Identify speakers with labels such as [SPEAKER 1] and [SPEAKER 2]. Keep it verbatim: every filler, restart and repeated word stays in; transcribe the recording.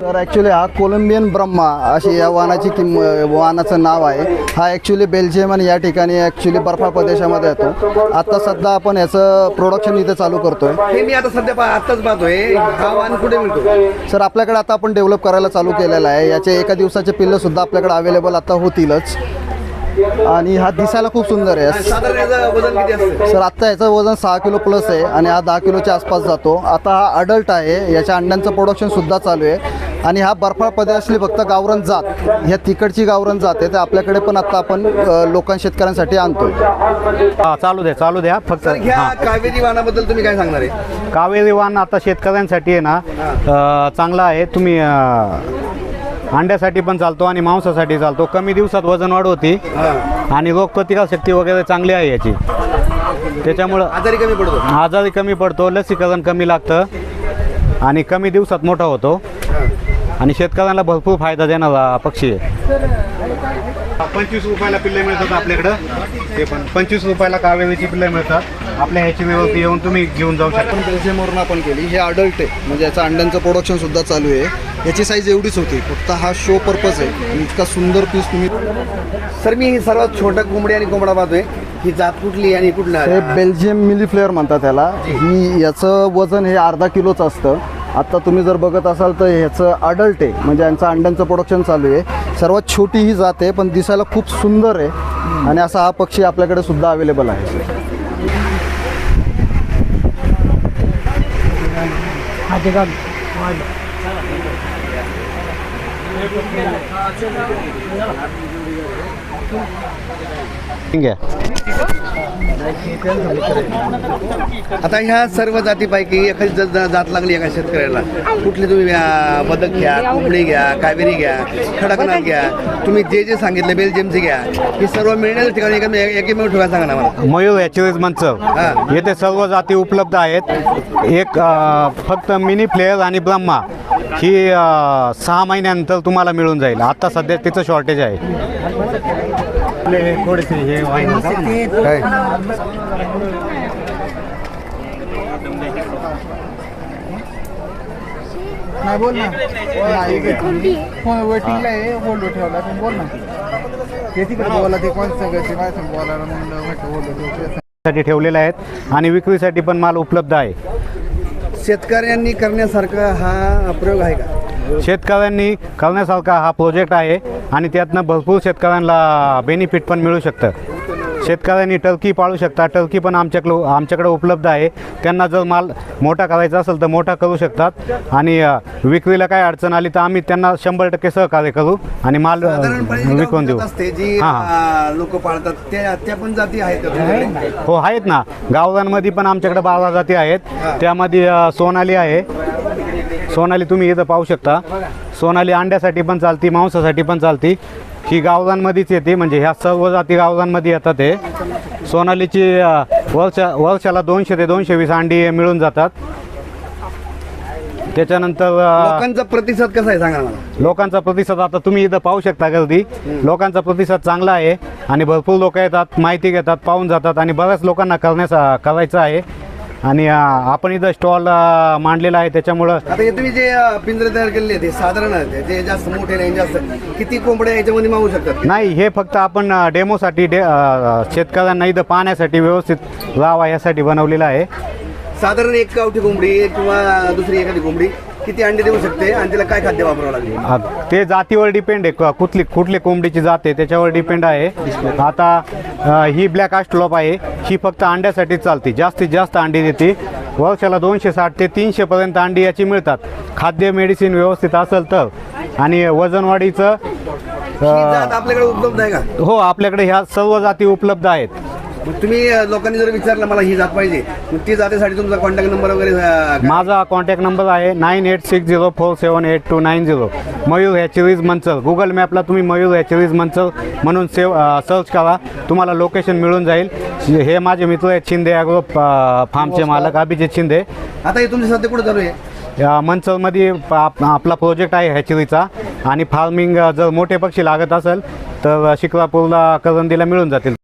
[SPEAKER 1] तर ॲक्च्युली हा कोलंबियन ब्रह्मा अशी या वाहनाची किंम वाहनाचं नाव आहे। हा ॲक्च्युली बेल्जियम आणि या ठिकाणी ॲक्च्युली बर्फाळ प्रदेशामध्ये येतो। आता सध्या आपण याचं प्रोडक्शन इथे चालू करतोय।
[SPEAKER 2] हे मी आता सध्या पा आत्ताच पाहतोय, हा वाहन कुठे मिळतो?
[SPEAKER 1] सर आपल्याकडे आता आपण डेव्हलप करायला चालू केलेला आहे। याचे एका दिवसाचे पिल्लंसुद्धा आपल्याकडे अवेलेबल आता होतीलच आणि हा दिसायला खूप सुंदर आहे।
[SPEAKER 2] साधारण याचं वजन किती असतं?
[SPEAKER 1] सर आत्ता याचं वजन सहा किलो प्लस आहे आणि हा दहा किलोच्या आसपास जातो। आता हा अडल्ट आहे, याच्या अंड्यांचं प्रोडक्शनसुद्धा चालू आहे आणि हा बर्फाळ प्रदेशातली फक्त गावरान जात, ह्या तिकडची गावरान जात आहे, तर आपल्याकडे पण आता आपण लोकां शेतकऱ्यांसाठी आणतोय।
[SPEAKER 3] हा चालू द्या चालू द्या फक्त।
[SPEAKER 2] तर ह्या कावेरी वाहनाबद्दल तुम्ही काय सांगणार आहे?
[SPEAKER 3] कावेरी वाहन आता शेतकऱ्यांसाठी आहे ना अ, चांगला आहे। तुम्ही अ, अंड्यासाठी पण चालतो आणि मांसासाठी चालतो। कमी दिवसात वजन वाढ होती आणि रोगप्रतिकारशक्ती वगैरे चांगली आहे याची, त्याच्यामुळं
[SPEAKER 2] आजारी कमी पडतो,
[SPEAKER 3] आजारी कमी पडतो, लसीकरण कमी लागतं आणि कमी दिवसात मोठा होतो आणि शेतकऱ्यांना भरपूर फायदा देणारा पक्षी आहे। पंचवीस रुपयाला पिल्ले मिळतात आपल्याकडं, ते पण पंचवीस रुपयाला कावेरीची पिल्ले मिळतात। आपल्या ह्याची व्यवस्था येऊन तुम्ही घेऊन जाऊ शकता।
[SPEAKER 1] पण बेल्जियमवरून आपण केली, हे अडल्ट आहे म्हणजे याचं अंड्यांचं प्रोडक्शनसुद्धा चालू आहे। याची साईज एवढीच होती, फक्त हा शो पर्पज आहे आणि इतका सुंदर पीस तुम्ही।
[SPEAKER 2] सर मी सर्वात छोटा कोंबडी आणि कोंबडा पाहतोय, ही जात कुठली आणि कुठला?
[SPEAKER 1] हे बेल्जियम मिली फ्लेअर म्हणतात त्याला। ही याचं वजन हे अर्धा किलोचं असतं। आता तुम्ही जर बघत असाल तर ह्याचं अडल्ट आहे म्हणजे यांचं अंड्यांचं प्रोडक्शन चालू आहे। सर्वात छोटी ही जात आहे पण दिसायला खूप सुंदर आहे आणि असा हा पक्षी आपल्याकडे सुद्धा अवेलेबल आहे।
[SPEAKER 3] ठीक आहे।
[SPEAKER 2] आता ह्या सर्व जातीपैकी एखादी ज- ज- जात लागली एका शेतकऱ्याला, कुठली तुम्ही घ्या, बदक घ्या, कोंबडी घ्या, कावेरी घ्या, खडकनाथ घ्या, तुम्ही जे जे सांगितले बेल्जियमचे घ्या, ही सर्व मिळण्याच्या ठिकाणी एक एकमेव ठेवा सांगा ना मला।
[SPEAKER 3] मयूर ॲक्च्युअलीज मंचव येथे सर्व जाती उपलब्ध आहेत। एक अ, फक्त मिनी फ्लेअर आणि ब्रह्मा ही अ, सहा महिन्यानंतर तुम्हाला मिळून जाईल। आता सध्या तिचं शॉर्टेज आहे। थोडेसे हे
[SPEAKER 2] काय
[SPEAKER 4] नाही बोल ना, फोन वेटिंगला आहे, होल्ड ठेवला पण बोल ना, ते तिकडे बोला, ते कोण सगळ्याचे काय सांग बोलायला म्हणलं म्हटलं होल्ड
[SPEAKER 3] साठी ठेवलेले आहेत आणि विक्रीसाठी पण माल उपलब्ध आहे।
[SPEAKER 2] शेतकऱ्यांनी करण्यासारखा हा प्रयोग आहे का?
[SPEAKER 3] शेतकऱ्यांनी करण्यासारखा हा प्रोजेक्ट आहे आणि त्यातनं भरपूर शेतकऱ्यांना बेनिफिट पण मिळू शकतं। शेतकऱ्यांनी टर्की पाळू शकतात, टर्की पण आमच्याकडं आमच्याकडे उपलब्ध आहे। त्यांना जर माल मोठा करायचा असेल तर मोठा करू शकतात आणि अ, विक्रीला काय अडचण आली तर आम्ही त्यांना शंभर टक्के सहकार्य करू आणि माल अ, विकून देऊ।
[SPEAKER 2] असते जी
[SPEAKER 3] हां
[SPEAKER 2] लोक पाळतात त्या त्या पण जाती आहेत का तुमच्याकडे?
[SPEAKER 3] हो आहेत ना, गावरांमध्ये पण आमच्याकडे बारा जाती आहेत। त्यामध्ये अ, सोनाली आहे, सोनाली तुम्ही इथं पाहू शकता। सोनाली अंड्यासाठी पण चालती, मांसासाठी पण चालती। ही गावरांमध्येच येते म्हणजे ह्या सर्व जाती गावरांमध्ये येतात। हे सोनालीची अ, वर्षा वर्षाला दोनशे ते दोनशे वीस अंडी मिळून जातात। त्याच्यानंतर अ,
[SPEAKER 2] लोकांचा प्रतिसाद कसा आहे सांगा मला?
[SPEAKER 3] लोकांचा प्रतिसाद आता तुम्ही इथं पाहू शकता, गर्दी लोकांचा प्रतिसाद चांगला आहे आणि भरपूर लोक येतात, माहिती घेतात, पाहून जातात आणि बऱ्याच लोकांना करण्याचा करायचं आहे आणि अ, आपण इथं स्टॉल मांडलेला आहे। त्याच्यामुळं
[SPEAKER 2] आता हे तुम्ही जे अ, पिंजरे तयार केलेले ते साधारण आहे, जे जास्त मोठे नाही जास्त, किती कोंबड्या याच्यामध्ये मावू शकतात?
[SPEAKER 3] नाही, हे फक्त आपण अ, डेमोसाठी डे अ, शेतकऱ्यांना इथं पाहण्यासाठी व्यवस्थित राहावा यासाठी बनवलेलं आहे।
[SPEAKER 2] साधारण एक गावठी कोंबडी किंवा दुसरी एखादी कोंबडी किती अंडे देऊ शकते आणि तिला काय खाद्य वापरावं लागेल?
[SPEAKER 3] अ, ते जातीवर डिपेंड आहे, क- कुठली कुठली कोंबडीची जात आहे त्याच्यावर डिपेंड आहे। आता अ, ही ब्लॅक आस्ट्रोलॉप आहे, ही फक्त अंड्यासाठीच चालते, जास्तीत जास्त अंडी देते। वर्षाला दोनशे साठ ते तीनशे पर्यंत अंडी याची मिळतात। खाद्य मेडिसिन व्यवस्थित असेल तर आणि वजनवाढीचं
[SPEAKER 2] ही जात आपल्याकडे उपलब्ध आहे का?
[SPEAKER 3] हो, आपल्याकडे ह्या सर्व जाती उपलब्ध आहेत।
[SPEAKER 2] मग तुम्ही अ, लोकांनी जर विचारलं मला ही जात पाहिजे, मग ती जातीसाठी तुमचा कॉन्टॅक्ट नंबर वगैरे अ, काय?
[SPEAKER 3] माझा कॉन्टॅक्ट नंबर आहे nine eight six zero four seven eight two nine zero. Mayur hatcheries Manchar, Google मॅपला तुम्ही मयूर हॅचरीज मंचर म्हणून सेव अ, सर्च करा, तुम्हाला लोकेशन मिळून जाईल। हे माझे मित्र आहेत शिंदे ॲग्रो फार्मचे मालक अभिजित शिंदे।
[SPEAKER 2] आता हे तुमच्या सध्या कुठे चालू आहे?
[SPEAKER 3] या मंचरमध्ये आप- आपला प्रोजेक्ट आहे हॅचरीचा आणि फार्मिंग जर मोठे पक्षी लागत असेल तर शिक्रापूरला करंदीला मिळून जातील।